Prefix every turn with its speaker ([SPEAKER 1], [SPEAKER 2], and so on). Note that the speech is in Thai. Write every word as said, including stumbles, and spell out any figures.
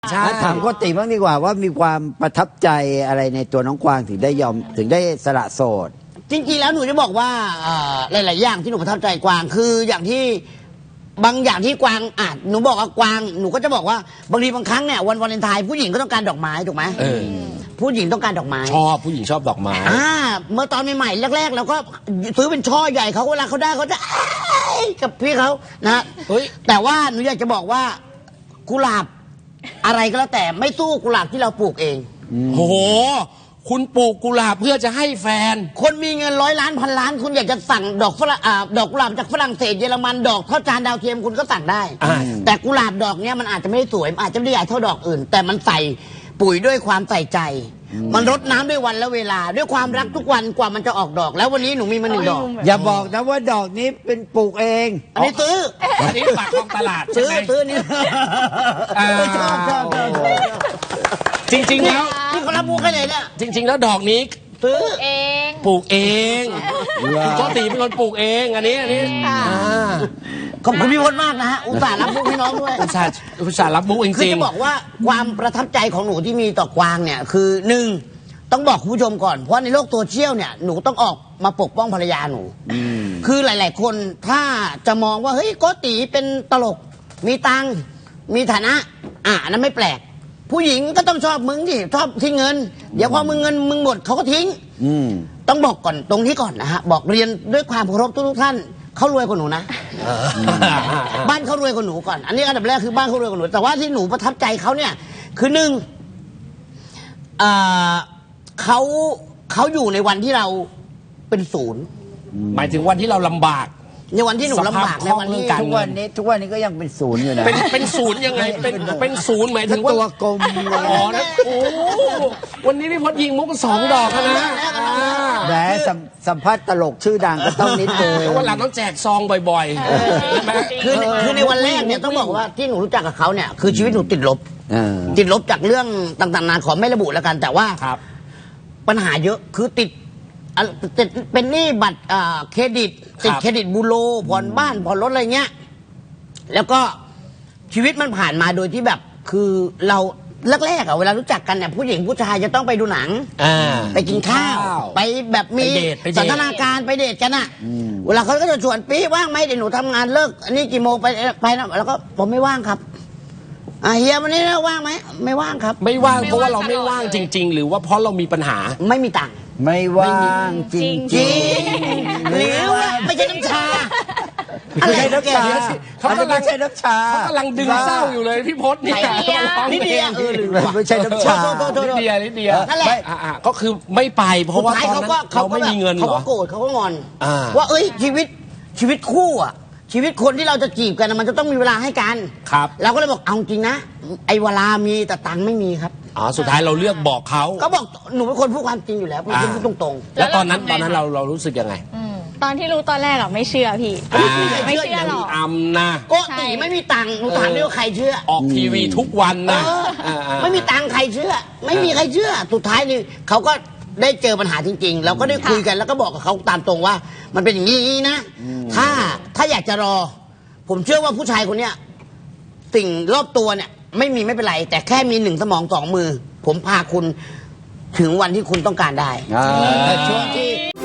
[SPEAKER 1] ใช่
[SPEAKER 2] ถามโกติบ้างดีกว่าว่ามีความประทับใจอะไรในตัวน้องกวางถึงได้ยอมถึงได้สละโสด
[SPEAKER 3] จริงๆแล้วหนูจะบอกว่าเอ่อหลายๆอย่างที่หนูประทับใจกวางคืออย่างที่บางอย่างที่กวางอ่ะหนูบอกว่ากวางหนูก็จะบอกว่าบางทีบางครั้งเนี่ยวันวาเลนไทน์ผู้หญิงก็ต้องการดอกไม้ถูกไหม
[SPEAKER 1] เออ
[SPEAKER 3] ผู้หญิงต้องการดอกไม้
[SPEAKER 1] ชอบผู้หญิงชอบดอกไม้
[SPEAKER 3] อ่าเมื่อตอนใหม่ๆแรกๆเราก็ซื้อเป็นช่อใหญ่เขาเวลาเขาได้เขาจะอ้ายกับพี่เขานะ
[SPEAKER 1] เฮ้ย
[SPEAKER 3] แต่ว่าหนูอยากจะบอกว่ากุหลาบอะไรก็แล้วแต่ไม่สู้กุหลาบที่เราปลูกเอง
[SPEAKER 1] โอ้โห คุณปลูกกุหลาบเพื่อจะให้แฟน
[SPEAKER 3] คนมีเงินร้อยล้านพันล้านคุณอยากจะสั่งดอกฝรั่งอ่าดอกกุหลาบจากฝรั่งเศสเยอรมันดอกเท่าจานดาวเทียมคุณก็สั่งได้
[SPEAKER 1] อ่า
[SPEAKER 3] แต่กุหลาบดอกเนี้ยมันอาจจะไม่ได้สวยมันอาจจะไม่ได้ใหญ่เท่าดอกอื่น แต่มันใส่ปุ๋ยด้วยความใส่ใจ มันรดน้ำด้วยวันและเวลา ด้วยความรักทุกวันกว่ามันจะออกดอก แล้ววันนี้หนูมีมาหนึ่งดอก
[SPEAKER 2] อย่าบอกนะว่าดอกนี้เป็นปลูกเอง
[SPEAKER 3] อันนี้ซื้อ
[SPEAKER 1] อันนี้ปากคลองตลาดใช่
[SPEAKER 3] ซื้อ
[SPEAKER 1] ไหม
[SPEAKER 3] ซื้อนี่
[SPEAKER 1] อ่า
[SPEAKER 3] ชอบชอบชอบชอบ
[SPEAKER 1] จริงๆแล้ว
[SPEAKER 3] นี่เขารับมุกให้เลยเนี่ย
[SPEAKER 1] จริง ๆ แล้วดอกนี้
[SPEAKER 3] ซื้อ
[SPEAKER 4] เอง
[SPEAKER 1] ปลูกเองคุณโกติเป็นคนปลูกเองอันนี้อันนี้อ่า
[SPEAKER 3] ขอบคุณพี่พจน์มากนะฮะอุตส่าห์รับมุกให้น้องด้วย
[SPEAKER 1] อุตส่าห์อุตส่าห์รับมุกจ
[SPEAKER 3] คือ
[SPEAKER 1] ริง
[SPEAKER 3] จะบอกว่าความประทับใจของหนูที่มีต่อกวางเนี่ยคือหนึ่งต้องบอกคุณผู้ชมก่อนเพราะในโลกโซเชียลเนี่ยหนูต้องออกมาปกป้องภรรยาหนูคือหลาย ๆ คนถ้าจะมองว่าเฮ้ยโกติเป็นตลกมีตังค์มีฐานะ อ่ะอันนั้นไม่แปลก ผู้หญิงก็ต้องชอบมึงที่ชอบทิ้งเงิน เดี๋ยวพอมึงเงินมึงหมดเขาก็ทิ้ง
[SPEAKER 2] อืม
[SPEAKER 3] ต้องบอกก่อนตรงนี้ก่อนนะฮะบอกเรียนด้วยความเคารพทุกๆท่านเขารวยกว่าหนูนะ
[SPEAKER 1] ๆ
[SPEAKER 3] บ้านเขารวยกว่าหนูก่อน อันนี้อันดับแรกคือบ้านเขารวยกว่าหนู แต่ว่าที่หนูประทับใจเขาเนี่ย คือหนึ่งเอ่อเขาเขาอยู่ในวันที่เราเป็นศูนย์
[SPEAKER 1] หมายถึงวันที่เราลำบาก
[SPEAKER 3] ในวันที่หนูลำบากในวันที่
[SPEAKER 1] สภาพคล่องเรื่องการ
[SPEAKER 2] ทุกวันนี้ทุกวันนี้ก็ยังเป็นศูนย์อยู่นะ
[SPEAKER 1] เป็นเป็นศูนย์ยังไงเป็นเป็นศูนย์หมายถึ
[SPEAKER 2] ทั้
[SPEAKER 1] ง
[SPEAKER 2] ง
[SPEAKER 1] ว่า
[SPEAKER 2] ตัวกลมเลย
[SPEAKER 1] อ๋อนะโอ้วันนี้พี่พจน์ยิงมุกสองดอกแล้วนะอ่า
[SPEAKER 2] แหมสัมสัมภาษณ์ตลกชื่อดังก็ต้องนิดนึง
[SPEAKER 1] แล้ววันหลังต้องแจกซองบ่อยๆใช่ไหม
[SPEAKER 3] คือคือในวันแรกเนี่ยต้องบอกว่าที่หนูรู้จักกับเขาเนี่ยคือชีวิตหนูติดลบ
[SPEAKER 2] เออ
[SPEAKER 3] ติดลบจากเรื่องต่างๆนานาขอไม่ระบุแล้วกัน แต่ว่า
[SPEAKER 1] ครับ
[SPEAKER 3] ปัญหาเยอะคือติดอ่ะติดเป็นหนี้บัตรอ่าเครดิต ติด
[SPEAKER 1] ครับ
[SPEAKER 3] เครดิตบูโรผ่อนบ้านผ่อนรถอะไรเงี้ยแล้วก็ชีวิตมันผ่านมาโดยที่แบบคือเราแรกๆอะเวลารู้จักกันเนี่ยผู้หญิงผู้ชายจะต้องไปดูหนัง
[SPEAKER 1] อ่า
[SPEAKER 3] ไปกินข้าว ไปแบบมี
[SPEAKER 1] ไปเดทไปเดท
[SPEAKER 3] สันทนาการไปเดทกันอะเวลาเขาก็จะชวนปีว่างไหมเดี๋ยวหนูทำงานเลิกอันนี้กี่โมงไปไปนะแล้วก็ผมไม่ว่างครับอ่ะเฮียวันนี้นะว่างไหมไม่ว่างครับ
[SPEAKER 1] ไม่ว่างเพราะว่าเราไม่ว่างจริง ๆ หรือว่าเพราะเรามีปัญหา
[SPEAKER 3] ไม่มีตังค์
[SPEAKER 2] ไม่ว่างจริง
[SPEAKER 3] จริงหรือว่าไม่ใช่น้ำชา
[SPEAKER 2] ไม่ใช่น้ำชา
[SPEAKER 1] เขา
[SPEAKER 2] อัน
[SPEAKER 1] กำ
[SPEAKER 2] นี้
[SPEAKER 1] ลั
[SPEAKER 2] ไม่
[SPEAKER 1] ง
[SPEAKER 2] ใช่น้ำชา
[SPEAKER 1] เขากำลังดึงเศร้าอยู่เลยพี่พจน์เนี่ย
[SPEAKER 3] นิดเดียวเออหรือ
[SPEAKER 2] ไม่ใช่น้ำชา
[SPEAKER 3] โทษโทษโทษ
[SPEAKER 1] นิดเดียวนิดเดียว
[SPEAKER 3] นั่นแหละ
[SPEAKER 1] อ่าๆก็คือไม่ไปเพราะว่า
[SPEAKER 3] สุดท้ย
[SPEAKER 1] ตอนนั้น
[SPEAKER 3] ก็
[SPEAKER 1] เราไม่มีเงินเห
[SPEAKER 3] เขา
[SPEAKER 1] รอ
[SPEAKER 3] ก็โกรธเขาก็งอน
[SPEAKER 1] อ่า
[SPEAKER 3] ว่าเอ้ยชีวิตชีวิตคู่อ่ะ ชีวิตคนที่เราจะจีบกันน่ะมันจะต้องมีเวลาให้กัน
[SPEAKER 1] ครับ
[SPEAKER 3] เราก็เลยบอกเอาจริงนะไอ้เวลามีแต่ตังค์ไม่มีครับ
[SPEAKER 1] อ๋อสุดท้ายเราเลือกบอกเขา
[SPEAKER 3] ก็บอกหนูเป็นคนพูดความจริงอยู่แล้วพูด
[SPEAKER 1] อ่า
[SPEAKER 3] พูดตรง
[SPEAKER 1] แล้วตอนนั้นตอนนั้นเราเรารู้สึกยังไง
[SPEAKER 4] ตอนที่รู้ตอนแรกอะไม่เชื่อพี่
[SPEAKER 1] อ่า
[SPEAKER 4] ไม่เชื่อหรอก
[SPEAKER 1] อำนะ
[SPEAKER 3] ๆโกติไม่มีตังค์หนูถามด้วยว่าใครเชื่อ
[SPEAKER 1] ออกทีวีทุกวันนะ
[SPEAKER 3] เออ
[SPEAKER 1] อ่าๆ
[SPEAKER 3] ไม่มีตังค์ใครเชื่อ ไม่มีใครเชื่อ สุดท้ายนี่เขาก็ได้เจอปัญหาจริงๆ เราก็ได้คุยกันแล้วก็บอกกับเขาตามตรงว่า มันเป็นอย่างนี้นะ ถ้าถ้าอยากจะรอ ผมเชื่อว่าผู้ชายคนเนี้ยสิ่งรอบตัวเนี่ย ไม่มีไม่เป็นไร แต่แค่มีหนึ่งสมองสองมือ ผมพาคุณถึงวันที่คุณต้องการได้
[SPEAKER 2] อ่าช่วงที่